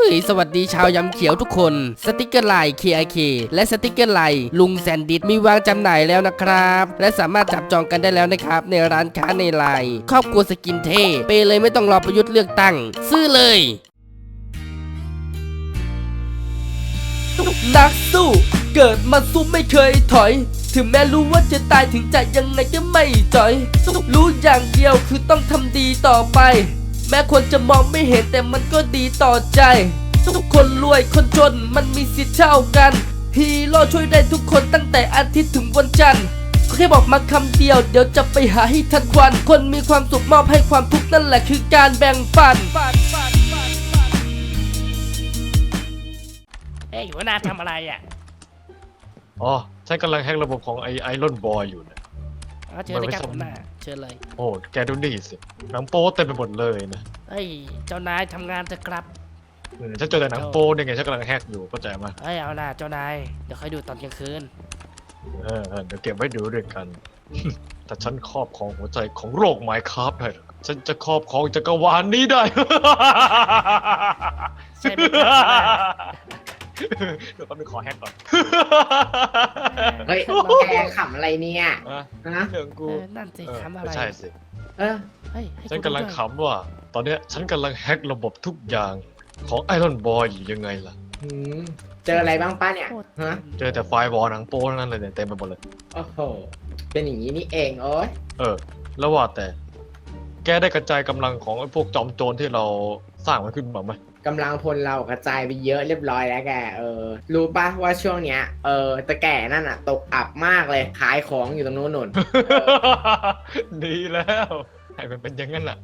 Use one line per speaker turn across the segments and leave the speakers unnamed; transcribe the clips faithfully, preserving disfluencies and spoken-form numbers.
ฮ้ยสวัสดีชาวยำเขียวทุกคนสติกเกอร์ลาย เค ไอ เค และสติกเกอร์ลายลุงแซนดิสมีวางจำหน่ายแล้วนะครับและสามารถจับจองกันได้แล้วนะครับในร้านค้าในไลน์ครอบครัวสกินเทเปเลยไม่ต้องรอประยุทธ์เลือกตั้งซื้อเลยนักสู้เกิดมาสู้ไม่เคยถอยถึงแม้รู้ว่าจะตายถึงจะยังไงก็ไม่จอยรู้อย่างเดียวคือต้องทำดีต่อไปแม้คนจะมองไม่เห็นแต่มันก็ดีต่อใจทุกคนรวยคนจนมันมีสิทธิ์เท่ากันฮีโร่ช่วยได้ทุกคนตั้งแต่อาทิตย์ถึงวันจันทร์แค่บอกมาคำเดียวเดี๋ยวจะไปหาให้ทันควันคนมีความสุขมอบให้ความทุกข์นั่นแหละคือการแบ่งปันเฮ้ยหัวหน้าทำอะไรอ่ะ
อ๋อฉันกำลังแฮกระบบของไอไอรอนบอยอยู่นะ
เชิญเลยครับหัวหน้าเชิญเลย
โอ้แกดูนี่สิหนังโป๊เต็มไปหมดเลยนะ
เฮ้ยเจ้านายทำงานเถอะครับ
ฉันเจอแต่หนังโป๊เนี่ยไงฉันกำลังแฮกอยู่เข้าใจไหม
เฮ้ยเอาล่ะเจ้านายเดี๋ยวค่อยดูตอนกลางคืน
เออเดี๋ยวเก็บไว้ดูด้วยกันแต่ฉันครอบครองหัวใจของโรคไมค์ครับได้ฉันจะครอบครองจักรวาลนี้ได้
ใช่ไหมครับ
เดี๋ยวแป๊บนึงขอแฮกก่อน
เฮ้ยแกขำอะไรเนี่ย
นะเรื่องกู
นั่นสิขำอะไร
ใช่สิ
เออ
ฉันกำลังขำว่าตอนเนี้ยฉันกำลังแฮกระบบทุกอย่างของไอรอนบอยอยู่ยังไงล่ะ
เจออะไรบ้างป้าเนี่ยฮะ
เจอแต่ไฟวอลหนังโป้นั่นเลยเนี่ยเต็มไปหมดเลย
โอ้โหเป็นอย่างนี้นี่เองโอ้ย
เออแล้วว่าแต่แกได้กระจายกำลังของไอ้พวกจอมโจรที่เราสร้างมันขึ้นมาไหม
กำลังพลเรากระจายไปเยอะเรียบร้อยแล้วแกเออรู้ป่ะว่าช่วงเนี้ยเออตะแก่นั่นอ่ะตกอับมากเลยขายของอยู่ตรงโน้นนน
ดีแล้วให้มันเป็นอย่างนั้นแหละ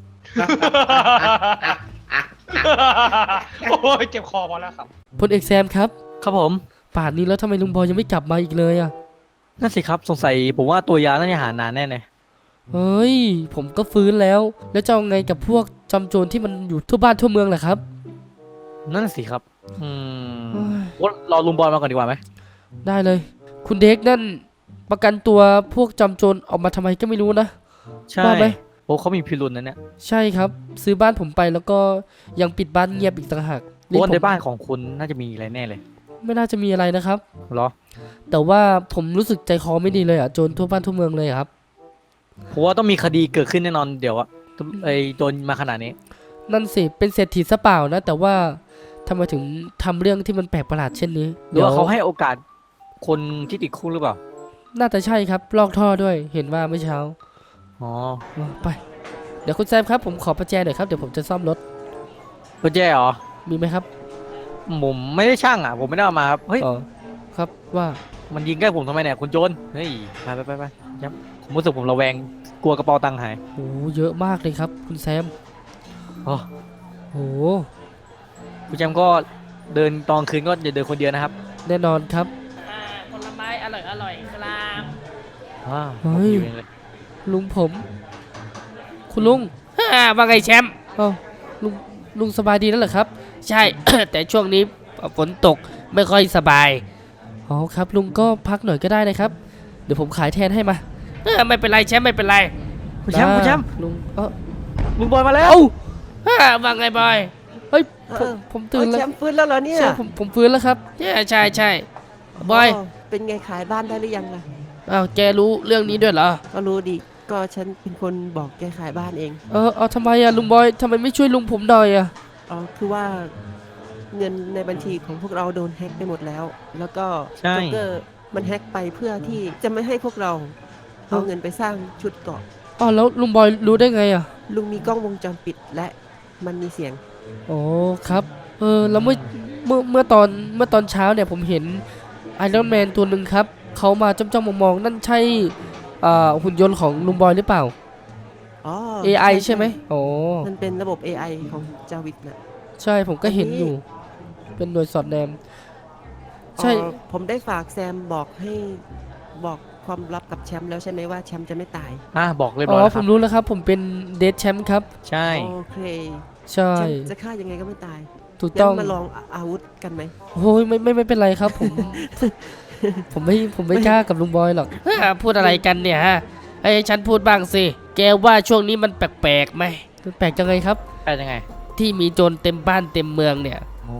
โอ้ยเจ็บคอพอแล้วครับ
พลเอกแซมครับ
ครับผม
ป่านนี้แล้วทำไมลุงบอยยังไม่กลับมาอีกเลยอ่ะ
นั่นสิครับสงสัยผมว่าตัวยาน่าจะหานานแน่เลย
เฮ้ยผมก็ฟื้นแล้วแล้วจะเอาไงกับพวกจำโจรที่มันอยู่ทั่วบ้านทั่วเมืองแหละครับ
นั่นสิครับอืมว่ารอลุงบอยมาก่อนดีกว่าไหม
ได้เลยคุณเด็กนั่นประกันตัวพวกจำโจรออกมาทำไมก็ไม่รู้นะ
ใช่ไหมโอ้เขามีพิรุณนะเนี่ย
ใช่ครับซื้อบ้านผมไปแล้วก็ยังปิดบ้านเงียบอีกต่างหาก
เพราะในบ้านของคุณน่าจะมีอะไรแน่เลย
ไม่น่าจะมีอะไรนะครับ
หรอ
แต่ว่าผมรู้สึกใจคอไม่ดีเลยอ่ะโจรทั่วบ้านทั่วเมืองเลยครับ
ผมว่าต้องมีคดีเกิดขึ้นแน่นอนเดี๋ยวอะไอ้โจรมาขนาดนี้
นั่นสิเป็นเศรษฐีซะเปล่านะแต่ว่าทำไมถึงทำเรื่องที่มันแปลกประหลาดเช่นนี้
หรือว่าเขาให้โอกาสคนที่ติดคุกหรือเปล่า
น่าจะใช่ครับลอกท่อด้วยเห็นว่าเมื่อเช้า
อ๋อ
ไปเดี๋ยวคุณแซมครับผมขอประแจหน่อยครับเดี๋ยวผมจะซ่อมรถ
ประแจเหรอ
มีไหมครับ
ผมไม่ได้ช่างอ่ะผมไม่ได้เอามาครับเฮ้ย
ครับว่า
มันยิงใกล้ผมทำไมเนี่ยคุณโจรเฮ้ยไปไปไปไปยับผมรู้สึกผมระแวงกลัวกระเป๋าตังค์หาย
โอ้เยอะมากเลยครับคุณแซม
อ๋อ
โอ้
คุณแซมก็เดินตอนคืนก็อย่าเดินคนเดียวนะครับ
แน่นอนครับ
ผลไม้อร่อยอร่อยครับ
ว้าวเฮ้ย
ลุงผมคุณลุง
ว่าไงแชมป์
อ๋อลุงลุงสบายดีแล้วเหรอครับ
ใช่ แต่ช่วงนี้ฝนตกไม่ค่อยสบาย
อ๋อครับลุงก็พักหน่อยก็ได้นะครับเดี๋ยวผมขายแทนให้มา
ไม่เป็นไรแชมป์ไม่เป็นไร
คุณแชมป์คุณแชมป์
ลุงเออ
ลุงบอยมาแล้ว
ว่าไงบอย
เฮ้ยผมตื่นแล้ว
แชมป์ฟื้นแล้วเหรอเนี่ย
ใช่ผมผมฟื้นแล้วครับ
ใช่ใช่ใช่บอย
เป็นไงขายบ้านได้หรือยังล่ะ
อ้าวแกรู้เรื่องนี้ด้วยเหรอ
ก็รู้ดิก็ฉันเป็นคนบอกแกขายบ้านเอง
เออเอาทำไมอะลุงบอยทำไมไม่ช่วยลุงผมหน่อยอะ
อ๋อคือว่าเงินในบัญชีของพวกเราโดนแฮ็กไปหมดแล้วแล้วก็
โจ๊ก
เกอร์มันแฮ็กไปเพื่อที่จะไม่ให้พวกเราเอาเงินไปสร้างชุดเกราะ
อ๋อแล้วลุงบอยรู้ได้ไงอะ
ลุงมีกล้องวงจรปิดและมันมีเสียง
อ๋อครับเออแล้วเมื่อเมื่อเมื่อตอนเมื่อตอนเช้าเนี่ยผมเห็นไอรอนแมนตัวหนึ่งครับเขามาจ้องๆมองๆนั่นใช่หุ่นยนต์ของลุงบอยหรือเปล่า
อ๋อ
เอ ไอ ใช่ไหมอ๋อ
มันเป็นระบบ เอ ไอ ของจาวิดนะ
ใช่ผมก็เห็นอยู่เป็นหน่วยสอดแนม
ใช่ผมได้ฝากแซมบอกให้บอกความลับกับแชมป์แล้วใช่ไหมว่าแชมป์จะไม่ตาย
อ่าบอกเลย
อ๋อผมรู้แล้วครับผมเป็นเดดแชมป์ครับ
ใช่
โอเค
ใช่
จะฆ่ายังไงก็ไม่ตาย
ถูกต้อง
มาลองอาวุธกันไหม
โอ้ยไม่ไม่ไม่เป็นไรครับผมผมไม่ผมไม่กล้ากับลุงบอยหรอก
พูดอะไรกันเนี่ยฮะให้ฉันพูดบ้างสิแกว่าช่วงนี้มันแปลกๆไหม
แปลกจังไงครับ
แปลกยังไง
ที่มีโจรเต็มบ้านเต็มเมืองเนี่ย
โอ้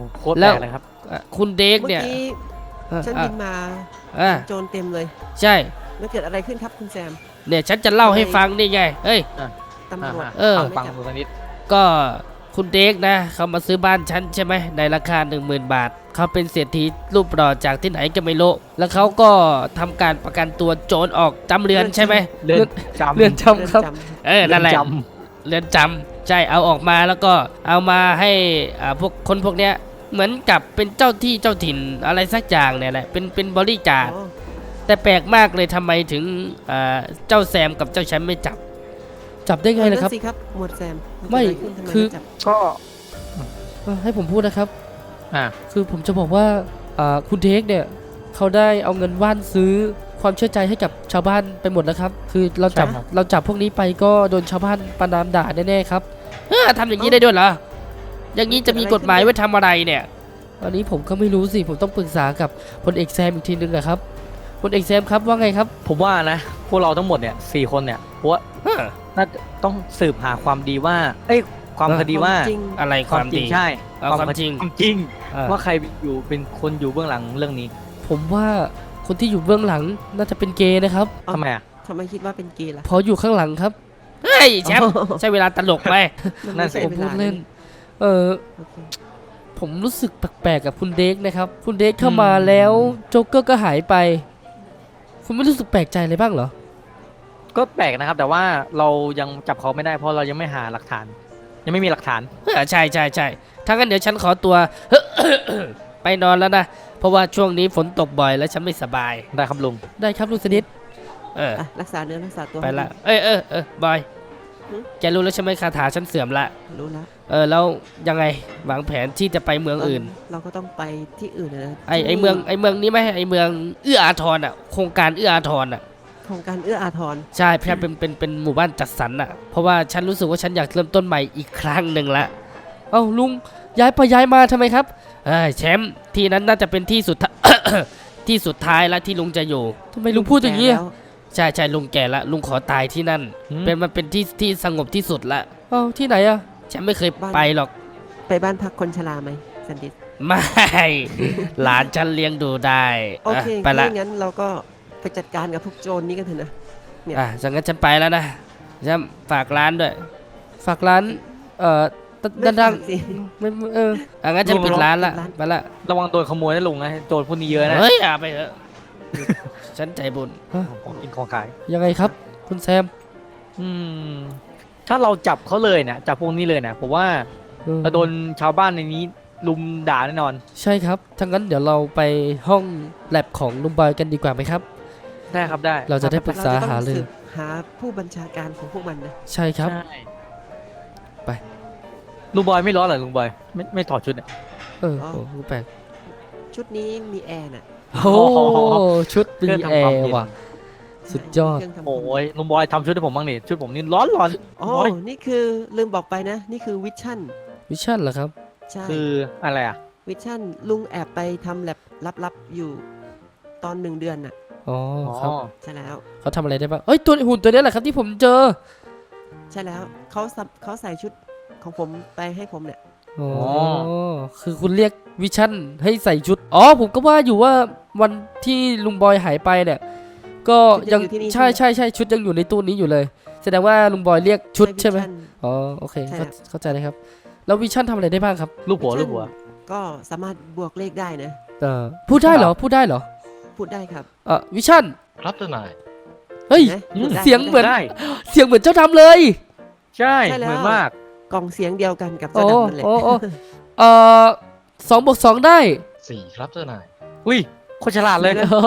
โคตร
แล้
แปล
ว
กเลยครับ
อ่ะคุณเด็ก
เมื่อ
เนี่ย
กี้
อ่ะ
ฉัน
อ่ะ
บินมา
อ่ะ
โจรเต็มเลย
ใช่
แล้วเกิดอะไรขึ้นครับคุณแซม
เนี่ยฉันจะเล่าให้ฟังนี่ไงเอ้ย
ตำรวจ
เออ
ฟัง
ไม่
ฟัง
จับ
ดูสักนิด
ก็คุณเด็กนะเขามาซื้อบ้านฉันใช่ไหมในราคาหนึ่งหมื่นบาทเขาเป็นเศรษฐีรูปหล่อจากที่ไหนก็ไม่รู้แล้วเขาก็ทำการประกันตัวโจรออกจำเรือนใช่ไหม
เรือนจำ
เรือนจำครับ
เรือนจ
เออนั่นแหละ
จ
เรือนจำใช่เอาออกมาแล้วก็เอามาให้อ่าพวกคนพวกเนี้ยเหมือนกับเป็นเจ้าที่เจ้าถิ่นอะไรสักอย่างเนี่ยแหละเป็นเป็นบริจา
ำ
ค
อ๋อ
แต่แปลกมากเลยทำไมถึงอ่าเจ้าแซมกับเจ้าแชมป์ไม่จับ จับได้ไงล่ะครับ
นั่นสิครับหมวดแซมน
ไม่
เกิดอะรขึ้นทำ
คือ
จับ
ก็
เออให้ผมพูดนะครับ
อ่า
คือผมจะบอกว่าอ่าคุณเทคเนี่ยเขาได้เอาเงินว่านซื้อความเชื่อใจให้กับชาวบ้านไปหมดแล้วครับ คือเราจับเราจับพวกนี้ไปก็โดนชาวบ้านประนามด่าแน่ๆครับเออทำอย่างนี้ได้ด้วยเหรออย่างนี้จะมีกฎหมายไว้ทำอะไรเนี่ยอันนี้ผมก็ไม่รู้สิผมต้องปรึกษากับพลเอกแซมอีกทีนึงอะครับพลเอกแซมครับว่าไงครับ
ผมว่านะ พวกเราทั้งหมดเนี่ยสี่คนเนี่ยเพราะว่า
เออ
น่าจะต้องสืบหาความดีว่า เอ้ย ความ
เออ
คดีว่า
จริง
อะไรคาว
ความ มจริ
ดี
งใช่
เอาความจริง
ความจริง
เออ
ว่าใครอยู่เป็นคนอยู่เบื้องหลังเรื่องนี้
ผมว่าคนที่อยู่เบื้องหลังน่าจะเป็นเกย์นะครับ
อ๋อ
ทำไมอ่ะ
ทำไมคิดว่าเป็นเกย์ล่ะ
เพออยู่ข้างหลังครับเฮ้ยแชมป์ใช้เวลาตลกไหม
มั
นั่
ไม่
นสิ
ใช่
ผม
ว
พูด
ลา
เล่น เออ
โอเค
ผมรู้สึกแปลกๆกับคุณเด็กนะครับ คุณเด็กเข้ามาแล้วโจ๊กเกอร์ก็หายไป คุณไม่รู้สึกแปลกใจเลยบ้างเหรอ
ก็แปลกนะครับ แต่ว่าเรายังจับเขาไม่ได้เพราะเรายังไม่หาหลักฐาน ยังไม่มีหลักฐาน
เออใช่ใช่ใช่ถ้างั้นเดี๋ยวฉันขอตัว ไปนอนแล้วนะ เพราะว่าช่วงนี้ฝนตกบ่อยแล้วฉันไม่สบาย
ได้ครับลุง
ได้ครับลุงสนิทเออ
อ่ะรักษาเนื้อรักษาตัว
ไปละ
ให้ดี
เอ้ยเออเออบอย แกรู้แล้วใช่ไหมคาถาฉันเสื่อมละ
รู้แล้ว
เออแล้วยังไงวางแผนที่จะไปเมืองอื่น
เราก็ต้องไปที่อื่นนะ
ไอไอ
ที่นี่
เมืองไอเมืองนี้ไหมไอเมืองเอื้ออาทรอ่ะโครงการเอื้ออาทรอ่ะ
โครงการเอื้ออาทร
ใช่เพื่อเป็นเป็นเป็นหมู่บ้านจัดสรรอ่ะเพราะว่าฉันรู้สึกว่าฉันอยากเริ่มต้นใหม่อีกครั้งหนึ่งละเอ้าลุงย้ายไปย้ายมาทำไมครับเอ้ยแชมป์ที่นั้นน่าจะเป็นที่สุดท้าย ที่สุดท้ายแล้วที่ลุงจะอยู่ทำไมลุงพูดอย่างนี้
นี้
อะใช่ใช่ลุงแก่ละลุงขอตายที่นั่น
อืม
เป็นมันเป็นที่ที่สงบที่สุดละเอ้าที่ไหนอ่ะฉันไม่เคยไปหรอก
ไปบ้านพักคนชราไหมสันดิษ
ไม่ หลานฉันเลี้ยงดูได้
โอเค
อ่ะไปละ
ถ้างั้นเราก็ไปจัดการกับพวกโจรนี้กันเถอะนะ เนี่ย
อ่ะจังงั้นฉันไปแล้วนะฉันฝากร้านด้วย ฝากร้าน เอ่อด้านด้าน
ไม่ฝากสิ
ไม่ไม่เอออ่ะงั้นฉันปิดร้านละ
ปิดร้าน
ไปละ
ระวังโดนขโมยนะลุงนะโจรพวกนี้เยอะนะ
เฮ้ยอ่ะไปเถอะ ฉันใจบุญฮะ
ของกินของขาย
ยังไงครับ คุณแซม
อืม ถ้าเราจับเขาเลยเนี่ยจับพวกนี้เลยเนี่ยผมว่า
เออ
เราโดนชาวบ้านในนี้ลุมด่าแน่นอน
ใช่ครับถ้างั้นเดี๋ยวเราไปห้องแลบของลุงบอยกันดีกว่าไหมครับ
ได้ครับได้
เราจะได้ปรึกษา
เจะต้อง
หารือ
สืบหาผู้บัญชาการของพวกมันนะ
ใช่ครับ
ใช่
ไป
ลุงบอยไม่ร้อนเหรอลุงบอยไม่ไม่ถอดชุดเนี่ย
เออโอ้โหแปลก
ชุดนี้มีแอร์น่ะ
โอ้ชุดมี
เครื่อง
แอ
ทำความ
ร์
เย็น
ว่ะ สุดยอด
เครื่องทำความ
โอ้ยลุงบอยทำชุดให้ผมบ้างนี่ชุดผมนี่ร้อนร้อน
อ๋อ
โอ้ย
นี่คือลืมบอกไปนะ นี่คือวิชั่น
วิชั่นเหรอครับ
ใช่
คืออะไรอ่ะ
วิชั่นลุงแอบไปทำแลบลับๆอยู่ตอนหนึ่งเดือนน่ะ
อ๋อ
อ๋อ
ครับ
ใช่แล้ว
เขาทำอะไรได้บ้างเอ้ยตัวหุ่นตัวนี้แหละครับที่ผมเจอ
ใช่แล้วเขาสับเขาใส่ชุดของผมไปให้ผมเนี่ย
อ๋อ คือคุณเรียกวิชั่นให้ใส่ชุด อ๋อ ผมก็ว่าอยู่ว่าวันที่ลุงบอยหายไปเนี่ย ก็
ชุดยั
ยัง ง
อยู่ที่นี่
ใช่
ใช่
ใช่
ไหม
ใช่ชุดยังอยู่ในตู้นี้อยู่เลย แสดงว่าลุงบอยเรียกชุดใช่ไหม
วิชั่น
อ๋อ โอเค
ใช่
เข้า
ครับ
เข้าใจเลยครับ แล้ววิชั่นทำอะไรได้บ้างครับ
ลูกหัวลูกหัว
ก็สามารถบวกเลขได้นะ
เออพูดได้เหรอ พูดได้เหรอ
พูดได้ครับ
เออวิชั่น
ครับเจ้านาย
เฮ้ย
ห็นไหม
อืม
พูดได้
เสียงเหมือน
ได้
เสียงเหมือนเจ้าดำเลย
ใช่
ใช่แล้ว
เหมือนมาก
กล่องเสียงเดียวกันกับ
โอ้
เจ้าดำนั่นแหละ
โอ้โอ้เออสองบวกสองได้
สี่ครับเจ้านาย
อุ้ยโคตรฉลาดเลย
อ๋อย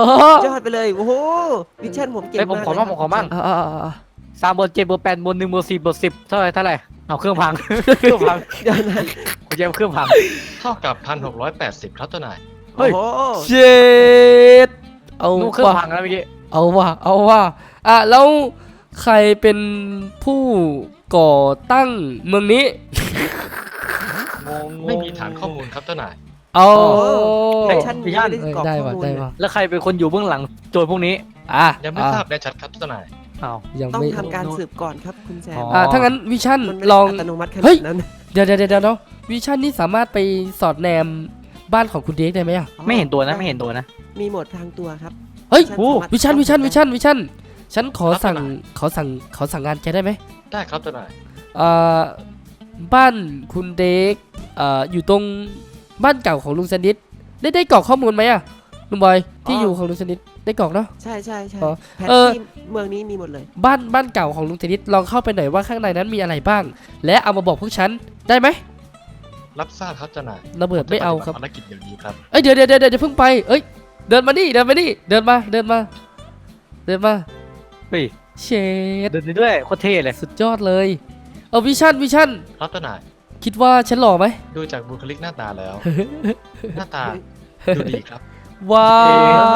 อดไปเลย โอ้โห วิชั่นผมเก่ง
เฮ้ยผม
มาก
ขอ
เลย
บ้างผมขอบ้าง
อ่าอ่าอ่า
สามบนเจ็ดบนแปดบนหนึ่งบนสี่บนสิบเท่าไหร่เท่าไหร่เอาเครื่องพัง เครื่องพัง
เดี๋ยวนะ
กูจะเอาเครื่องพัง
เท่ากับพันหกร้อยแปดสิบครับเจ้านาย
เฮ้ย
โอ้โห
เจ็ดเอา
นู่นเครื่อง
ว่ะ
พังแล้วเมื่อกี้
เอาว่ะเอาว่ะอ่ะแล้วใครเป็นผู้ก่อตั้งเมืองนี้
งง
ไม่มีฐานข้อมูลครับเจ้านาย
เอา
วิชั่นไม่ได้
เออก
รอก
ได้
ข้อ
ว่ะ
มูล
ได้
เนี่ย
ว่ะ
แล้วใครเป็นคนอยู่เบื้องหลังโจรพวกนี้
อ่ะ
ยังไม่
อ่ะ
ทราบแน่ชัดครับเจ้านาย
อ้าว
ยัง
ต้อง
ไม่
ทำการสืบก่อนครับคุณแซม
อ๋อ
อ่ะถ้างั้นวิชั่น
มันไม่
ล
ได้
อง
อัตโนมัติข
เฮ้
นาย ดนั้น
เดี๋ยวเดี๋ยวเดี๋ยวเนาะวิชั่นนี่สามารถไปสอดแนมบ้านของคุณเด็กได้ไหมอ่ะ
ไม่เห็นตัวนะไม่เห็นตัวนะ
มีโหมดพรางตัวครับ
เฮ้ย
โอ้
วิชั่นวิชั่นวิชั่นวิชั่นฉันขอสั่งขอสั่งขอสั่งงานแกได้ไหม
ได้ครับเจ้านาย
เอ่อบ้านคุณเด็กเอ่ออยู่ตรงบ้านเก่าของลุงสนิทได้ได้กรอกข้อมูลไหมอ่ะลุงบอยที่อยู่ของลุงสนิทได้กรอกเนาะ
ใช่ใช่ใช่
อ๋อ
แผน
เออ
ที่เมืองนี้มีหมดเลย
บ้านบ้านเก่าของลุงสนิทลองเข้าไปหน่อยว่าข้างในนั้นมีอะไรบ้าง และเอามาบอกพวกฉันได้ไหม
รับทราบครับเจ้านาย
ระเบิดไม่เอาครับ
ภารกิจอย่างนี้ครับ
เอ้ยเดี๋ยวเดี๋ยวเดี๋ยวเดี๋ยวเพิ่งไปเอ้ยเดินมานี่เดินมานี่เดินมาเดินมาเดินมา
เฮ้ย
เชด
เดินได้ด้วยโคตรเท่เลย
สุดยอดเลยเอาวิชั่นวิชั่น
ครับเจ้านาย
คิดว่าฉันหล่อไหม
ดูจากบุคลิกหน้าตาแล้ว หน้าตาดูดีครับ
ว้าว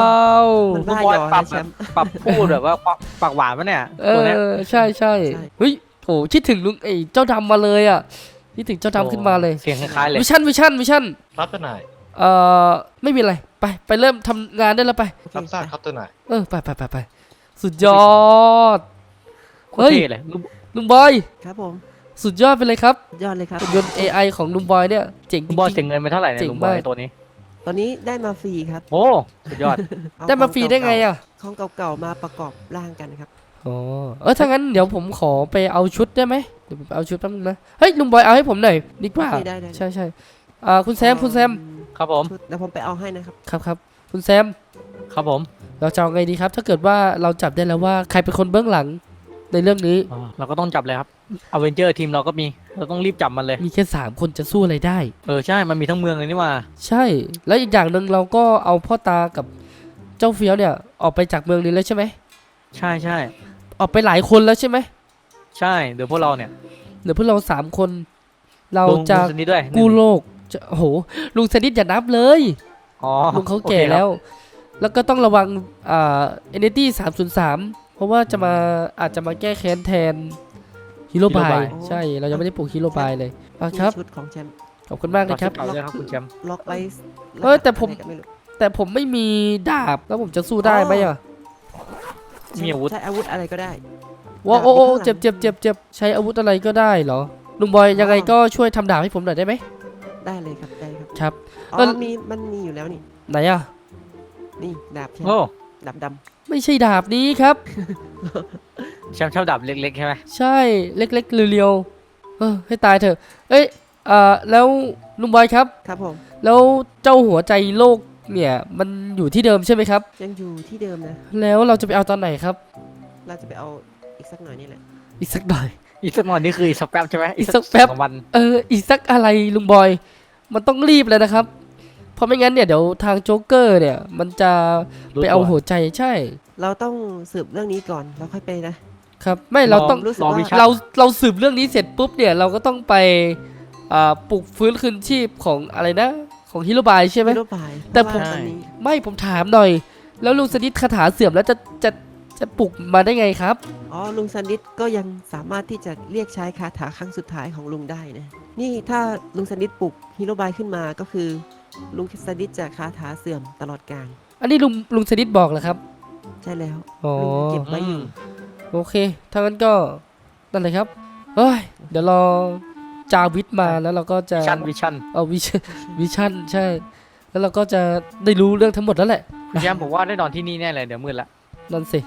มัน
ลูก
บ้า
บอย
ยอ
ปรั
นะ
บ
แชมป์
ปรับพูดแบบว่าปากหวานปะเนี่ย
เอ
ตัวเนี้ย
อใช่ใช่
ใช่
เฮ้ยโอ้คิดถึงลุงไอ้เจ้าดำมาเลยอ่ะคิดถึงเจ้าดำขึ้นมาเลย
เสียงคล้ายๆเลย
วิชั่นวิชั่นวิชั่น
ครับเจ้านาย
เอ่อไม่มีอะไรไปไปเริ่มทำงานได้แล้วไป
โอเค
รับทราบครับเจ้านาย
เออไปไปไปไปสุดยอด
โคตรเท่เลยลูก
ลุงบอย
ครับผม
สุดยอดไปเลยครับ
ยอดเลยครับ
หุ่นยนต์ เอ ไอ ของลุงบอยเนี่ยเจ๋งจ
ลุงบอย
ริ
เสีย
ง
เงินไปเท่าไหร่เนี่ย
เจ๋ง
ลุงบอย
มาก
ตัวนี้
ตอนนี้ได้มาฟรีครับ
โอ้สุดยอด
เอ
ๆได้มาฟรีได้ไงอ่ะ
ของเก่าๆมาประกอบร่างกันครับ
อ๋อเออถ้างั้นเดี๋ยวผมขอไปเอาชุดได้ไหมเดี๋ยวผมไปเอาชุดแป๊บนึงนะเฮ้ยลุงบอยเอาให้ผมหน่อยดีกว่า
โอเคได้ได้
ใช่ใช่อ่าคุณแซมคุณแซม
ครับผม
ชุดเดี๋ยวผมไปเอาให้นะครับ
ครับครับคุณแซม
ครับผม
เราจะเอาไงดีครับ ถ้าเกิดว่าเราจับได้แล้วว่าใครเป็นคนเบื้องหลังในเรื่องนี้
อ่าเราก็ต้องจับเลยครับอเวนเจอร์ทีมเราก็มีเราต้องรีบจับมันเลย
มีแค่สามคนจะสู้อะไรได้
เออใช่มันมีทั้งเมืองเลยนี่หว่า
ใช่ แล้วอีกอย่างหนึ่งเราก็เอาพ่อตากับเจ้าเฟี้ยวเนี่ยออกไปจากเมืองนี้แล้วใช่ไหม
ใช่ใช่
ออกไปหลายคนแล้วใช่ไหม
ใช่เดี๋ยวพวกเราเนี่ย
เหลือพวกเราสามคน เรา
ลง
จะ
ลงสนิทด้วย
กู้โลกจะโอ้โหลุงสนิทอย่านับเลย
อ๋อ
ลุงเขา
โอ
แก่
คครับ
แล้ว แล้วก็ต้องระวังอ่าเอเนตี้สามศูนย์สามเพราะว่าจะมาอาจจะมาแก้แค้นแทนฮีโร่บาย
Hero Bye
ใช่เรายังไม่ได้ปลูกฮีโร่บายเลยอ่ะ
นี่
ครับ
ชุดของแชมป์
ขอบคุณมากนะครับ
เอาเลยครับคุณแชมป์
ล็อกไว้
เออแต่ผม
อะไรก็ไรู้
แต่ผมไม่มีดาบแล้วผมจะสู้ได้ไหมอ่ะ
มีอาวุธ
ใช้อาวุธอะไรก็ได้
ว้าวโอ้โอ้
ดาบอยู่
เจ็บ
ข้างหลัง
เจ็บเจ็บเจ็บใช้อาวุธอะไรก็ได้เหรอลุงบอยยังไงก็ช่วยทำดาบให้ผมหน่อยได้ไหม
ได้เลยครับได้ครับ
ครับ
อ๋
เอ
อ
อ
มีมันมีอยู่แล้วนี่
ไหนอ่ะ
นี่ดาบแชม
โอ้
ป์ดาบด
ไม่ใช่ดาบนี้ครับ
แชมป์ชอบดับเล็กๆใช่ไหม
ใช่เล็กๆเรียวๆเออให้ตายเถอะเอ้ยเอ่อแล้วลุงบอยครับ
ำครับผม
แล้วเจ้าหัวใจโลกเนี่ยมันอยู่ที่เดิมใช่ไหมครับ
ยังอยู่ที่เดิมนะ
แล้วเราจะไปเอาตอนไหนครับ
เราจะไปเอาอีกสักหน่อยนี่แหละ
อีกสักหน่อย
อีกสักหน่อยนี่คืออีกสักแป๊บใช่ไหม
อีกสักแป๊บ
สองวัน
เอออีกสักอะไรลุงบอย มันต้องรีบเลยนะครับ เพราะไม่งั้นเนี่ยเดี๋ยวทางโจ๊กเกอร์เนี่ย มันจะไปเอาหัวใจใช่
เราต้องสืบเรื่องนี้ก่อนแล้วค่อยไปนะครับ
ไม่เราต้อง
รู้สึก
รอ
ว่า
วิชา
เราเราสืบเรื่องนี้เสร็จปุ๊บเนี่ยเราก็ต้องไปอ่าปลุกฟื้นคืนชีพของอะไรนะ ของฮิโรบายใช่ไหม
ไม่รู้ไป
แต่ผม
เพราะว่าตอนนี้
ไม่ผมถามหน่อย แล้วลุงสนิทคาถาเสื่อมแล้วจะจะจะปลุกมาได้ไงครับ
อ๋อลุงซันดิสก็ยังสามารถที่จะเรียกใช้คาถาครั้งสุดท้ายของลุงได้นะนี่ถ้าลุงซันดิสปลุกฮีโร่บายขึ้นมาก็คือลุงซันดิสจะคาถาเสื่อมตลอดกาล
อันนี้ลุงลุงสนิทบอกเหรอครับ
ใช่แล้ว
อ๋อ
ลุงเก็บไว้อยู่
โอเคถ้างั้นก็นั่นเลยครับเฮ้ยเดี๋ยวรอจาวิทมาแล้วเราก็จะ
ชั่นวิชั่น
เอาวิชวิชั่นใช่ แล้วเราก็จะได้รู้เรื่องทั้งหมดแล้วแหละ
คุณแชมป์ผมว่าได้นอนที่นี่แน่เลยเดี๋ยวมืดละ
นั่นสิ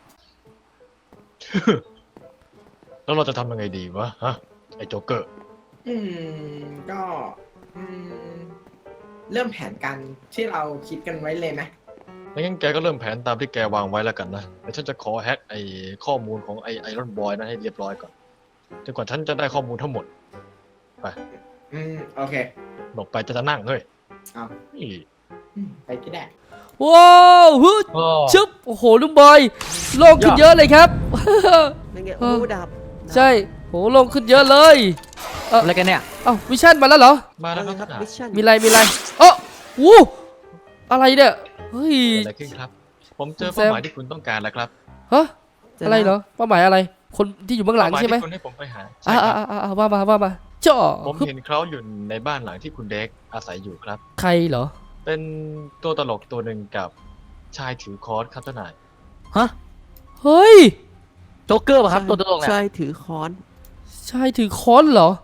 แล้วเราจะทำยังไงดีวะฮะไอ้โจ๊กเกอร์
อืมก็อืมเริ่มแผนการที่เราคิดกันไว้เลยไหม
งั้นแกก็เริ่มแผนตามที่แกวางไว้แล้วกันนะเดี๋ยวฉันจะขอแฮ็กไอ้ข้อมูลของไอ้ไอรอนบอยนะให้เรียบร้อยก่อนจนกว่าฉันจะได้ข้อมูลทั้งหมด
อืมโอเค
หลบไปจะจะนั่งเฮ้ย
เอา
นี่
อืมไปก็ได้
ว้าวฮึด
อ้อ
ชึบโอ้โหลุงบอยโล่งขึ้นเยอะเลยครับ
นั่นไง
เออ
โอ้ดาบ
ใช่โหโล่งขึ้นเยอะเลย
อะไรกันเนี่ย
เอ้าวิชั่นมาแล้วเหรอ
มา
นั่
แล้ว
น
ค
ไง
รับ
ครับ
ท่าน
มิชชั่น
มีอะไรมีอะไรเอ้อวู้อะไรเนี่ยเฮ้ย
เกิดอะไรขึ้นครับ ผมเจอ
แซ
เป้าม หมายที่คุณต้องการแล้วครับ
ฮะอะไรเหรอเป้าหมายอะไร คนที่อยู่เบื้องหลัง
เป้าหมาย
ใช่ไหม
ที่คุณให้ผมไปหาใช่
อ่า
ค
อ่า
รับ
อ่าอ่าว่ามาว่ามาจ่อ
ผม
ฮึบ
เห็นเขาอยู่ในบ้านหลังที่คุณเด็กอาศัยอยู่ครับ
ใครเหรอ
เป็นตัวตลกตัวหนึ่งกับชายถือค้อนครับท่านนาย
ฮะ
เฮ้ย
โจ๊กเกอร์ป่ะครับตัวตลกเนี่ย
ใช่ถือค้อน
ชายถือค้อนเหรอ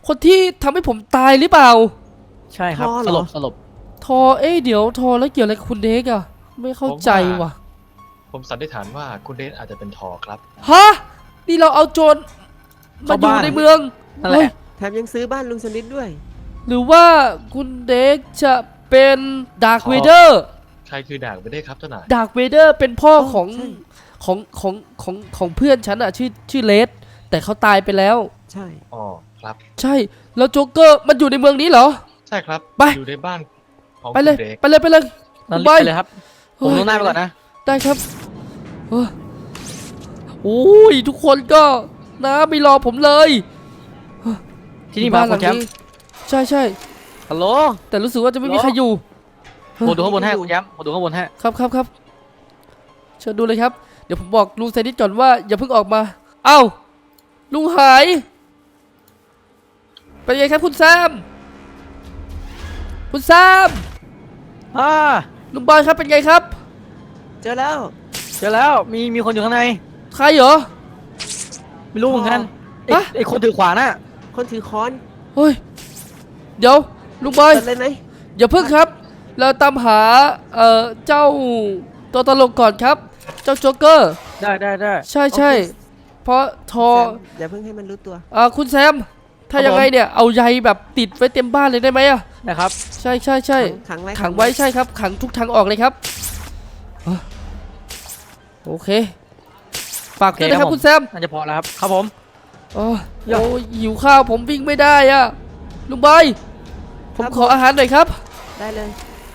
คนที่ทำให้ผมตายหรือเปล่า
ใช่ครับ
พ่อเห
ส
รอ
ลบสลบ
ทอเอ้ยเดี๋ยวทอแล้วเกี่ยวอะไรกับคุณเด็กอะไม่เข้าใจว่ะ
ผมสันนิษฐานว่าคุณเดนอาจจะเป็นทอครับ
ฮะนี่เราเอาโจรมาอยู่ในเมือง
นั่นแห
เฮ้ย
ละ
แถมยังซื้อบ้านลุงสนิทด้วย
หรือว่าคุณเด็กจะเป็นดาร์ค
ขอ
เวเดอร์
ใครคือด่างไม่ได้ครับเจ้านาย
ดาร์คเวเดอร์เป็นพ่อของ
ใช่
ของของของของเพื่อนฉันอะชื่อชื่อเลสแต่เขาตายไปแล้ว
ใช่
อ๋อครับ
ใช่แล้วโจ๊กเกอร์มันอยู่ในเมืองนี้เหรอ
ใช่ครับ
ไป
อยู่ในบ้านของ
ไปเลย
คุณเด็ก
ไปเลยไปเลย
นั่น
ไป
รีบไปเลยครับ ผมลงหน้าไปก่อนนะ
ได้ครับเออโอ้ยทุกคนก็นะไม่รอผมเลย
ที่นี่มา
ห
คุ
ลั
ณแชมป์
ใช่ใช่
ฮัลโหล
แต่รู้สึกว่าจะไม่มี
เหรอ
ใครอยู่
ผมดูข้างบนให้คุณแชมป์ผมดูข้างบนให้
ครับครับครับเชิญดูเลยครับ เดี๋ยวผมบอกลุงไซนิดก่อนว่าอย่าเพิ่งออกมา เอ้าลุงหายเป็นไงครับคุณแซมคุณแซม
อ่า
ลุงบอยครับเป็นไงครับ
เจอแล้ว
เจอแล้วมีมีคนอยู่ข้างใน
ใครเหรอ
ไม่รู้เหมือนกันไอ้
ฮะ
ไอ้คนถือขวานน่ะ
คนถือค้อน
เฮ้ยเดี๋ยวลุงบอย
เปิดเลยไหม
อย่าเพิ่งครับ เราตามหาเอ่อเจ้าตัวตลกก่อนครับ เจ้าโจ๊กเกอร์
ได้ได้ได้
ใช่ใช่เพราะทอ
แซมอย่าเพิ่งให้มันรู้ตัว
อ่าคุณแซม ถ้า
ครับ
ยังไง
ผม
เนี่ยเอาใยแบบติดไว้เต็มบ้านเลยได้ไหมอะ
นะครับ
ใช่ใช่ใช่
ขังไว้
ขังไว้ใช่ครับ ขังทุกทางออกเลยครับอ่ะโอเคฝากด้วยนะครับคุณแซม
น่าจะพอแล้วครับครับผม
โอ้โอ้หิวข้าวผมวิ่งไม่ได้อะลุงบอยผมขออาหารหน่อยครับ
ได้เลย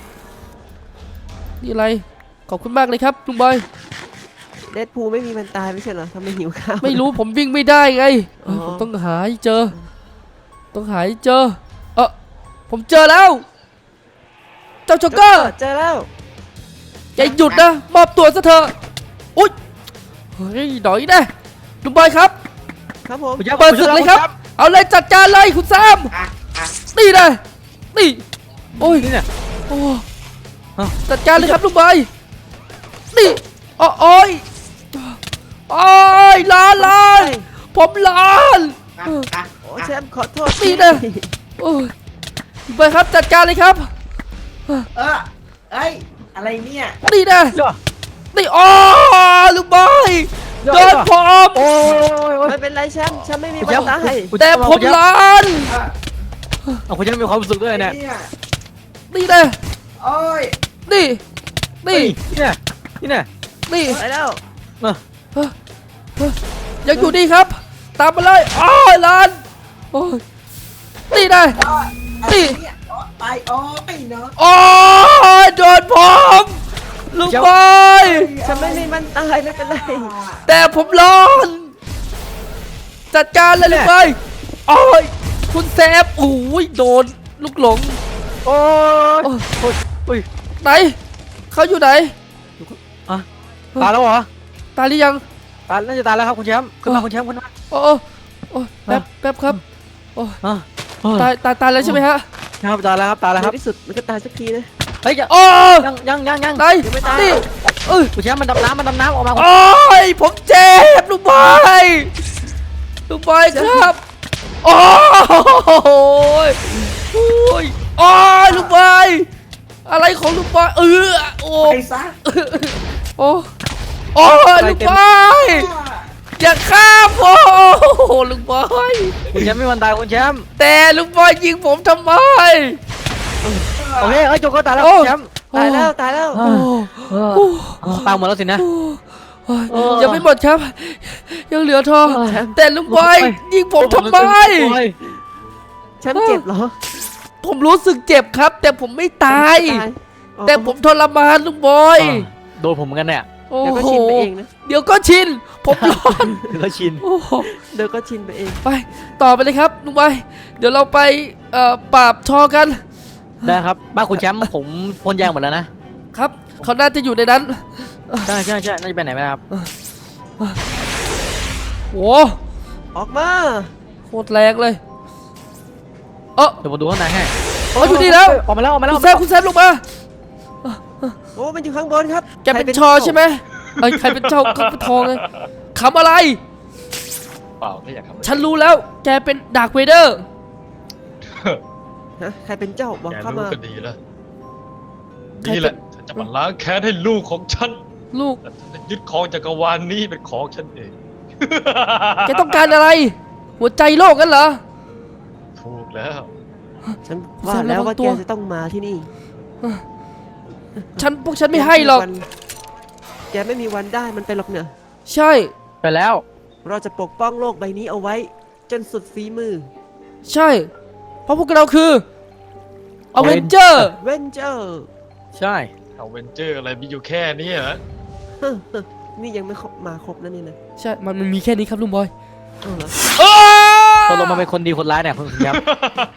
นี่อะไรขอบคุณมากเลยครับลุงบอย
เดดพูลไม่มีมันตายไม่ใช่เหรอทำไมหิวข้าว
ไม่รู้ผมวิ่งไม่ได้ไงเออ
อ๋อ
ผมต้องหาให้เจอ ต้องหาให้เจอ เออผมเจอแล้ว เจ้าโจ๊กเกอร์
เจอแล้ว
อย่าหยุดนะ มอบตัวซะเถอะอุ๊ยเฮ้ยหน่อยนะลุงบอยครับ
ครับผม
คุณแชมป์
เปิดศึกเลยครับ
ณแชมป์
เอาเลยจัดการเลยคุณแซม
อ่ะอ่ะ
นี่นะนี่โอ้ย
นี่เนี่ย
โอ้
เอ้า
จัดการเลยครับลุงบอยนี่โอ้โอ้ยโอ้ยล้านล้านผมล้าน
อ่ะอ่ะ
โอ้แชมป์ขอโทษ
นี่นะ โอ้ยลุงบอยครับจัดการเลยครับ
เออเอ้ยอะไรเนี่ย
นี่นะ
เดี๋ยว
นี่โอ้ลุงบอย
เดี๋ยว
โดนผม
โอ้ยโอ้ยโอ้ย
ไม่เป็นไรแชมป์แชมป์ไม่มี
คุณ
วั
แช
น
มป์
ตาย
คุณ
แต่
แชป์
ผม
คุณแชป์
ล้าน
เอาคุณแชมป์มีความรู้สึกด้วยเนี่ย
เนี่ย
นี่นะ
โอ้ย
นี่นี่
นี่เนี่ยนี่เนี่ย
นี่
ไปแล้ว
เออ
เฮ้ยเฮ้ยยังอยู่นี่ครับ ตามมาเลยโอ้ยล้านโอ้ยนี่นะ นี่
เนี่ยโอ๊ยไปโอ้ยเนาะ
โอ้ยโดนผมลุงบอย
แชมป์ไม่มีวันตายไม่เป็นไร
แต่ผมร้อนจัดการเลยลุงบอยโอ้ยคุณแซมโอ้ยโดนลูกหลง
โอ้ย
โอ้ย
โอ้ยโอ้ย
ไหนเขาอยู่ไหน
อ่ะตายแล้วเหรอ
ตายหรือยัง
ตายน่าจะตายแล้วครับคุณแชมป์ขึ้นมาคุณแชมป์ขึ้นมา
โอ้โอ้โอ้แป๊บแป๊บครับโอ้
อ่ะโอ้ย
ตายตายตายแล้วใช่ไหมฮะ
ครับตายแล้วครับตายแล้วครับ
ในที่สุดมันก็ตายสักทีนะ
เฮ้ยอย่า
โอ้
ยังยังยังยัง
ไหน
ยังไม่ตาย
นี่เอ้ย
คุณแชมป์มันดำน้ำมันดำน้ำออกมาคุณ
โอ้ยผมเจ็บลุงบอยลุงบอยครับโอ้ยโอ้ยโอ้ยลุงบอยอะไรของลุงบอยเออโอ้
ไปซะ
โอ้โอ้ยลุงบอยอย่าฆ่าผมโอ้ลุงบอย
คุณแชมป์ไม่มันตายคุณแชมป์
แต่ลุงบอยยิงผมทำไม
โอเคเอ้ยโจกก็ตายแล้ว
โอ้
คุณแชมป์
ตายแล้วตายแล้ว
โอ้
เออ
โอ้
เออตายหมดแล้วสินะ
โอ้ย
เออ
ยังไม่หมดครับ ยังเหลือทอง
เออ
แต่ลุงบอยยิงผมทำไม
แชมป์เจ็บเหรอ
ผมรู้สึกเจ็บครับ แต่ผมไม่ตาย
ตายอ๋อ
แต่ผมทรมานลุงบอย
เออโดนผมเหมือนกันเนี่ย
โอ้
เดี๋ยวก็
โห
ชินไปเองนะ
เดี๋ยวก็ชิน ผมร้อน
ถึงก็ชิน
โอ้โห
เดี๋ยวก็ชินไปเอง
ไปต่อไปเลยครับลุงบอยเดี๋ยวเราไปเอ่อปราบทอกัน
ได้ครับบ้านคุณแชมป์ผมพ่นยางหมดแล้วนะครับ
เขาน่าจะอยู่ในนั้น
ใช่ใช่ใช่น่าจะไปไหนไหมครับ
โอ้
ออกมา
โคตรแรงเลยเออ
เดี๋ยวผมดูข้างในให้
เขาอยู่นี่แล้ว
ออกมาแล้วออกมาแล้ว
คุณแซมคุณแซมลงมา
โอ้มันอยู่ข้างบนครับ
แกเป็นชอใช่ไหมไอ้ยใครเป็นเจ้าเขาเป็นทองเลยขำอะไร
เปล่าไม่อยากทำอะไร
ฉันรู้แล้ว แกเป็นดาร์คเวเดอร์
ฮะใครเป็นเจ้าบอก
แก
เข้า
รู้
มา
ก็ดีแล้วนี่แหละฉันจะมาล้างแค้นให้ลูกของฉัน
ลูก
และฉันจะยึดของจักรวาลนี้เป็นของฉันเอง
แกต้องการอะไร หัวใจโลกกันเหรอ
ถูกแล้ว
ฉันว่าแล้วว่าแกจะต้องมาที่นี่
ฉันพวกฉันไม่ให้หรอก
แกไม่มีวันได้มันไปหรอกเนอะ
ใช่
ไปแล้ว
เราจะปกป้องโลกใบนี้เอาไว้ จนสุดฝีมือ
ใช่ เพราะพวกเราคืออเวนเจอร์
เวนเจอร์
ใช่
เอาเวนเจอร์อะไรมีอยู่แค่นี้เหรอ
นี่ยังไม่ครบมาครบนะนี่นะ
ใช่ มันมันมีแค่นี้ครับลุงบอย
เอาเหรอ
ตกลงมาเป็นคนดีคนร้ายเนี่ยคุณครับ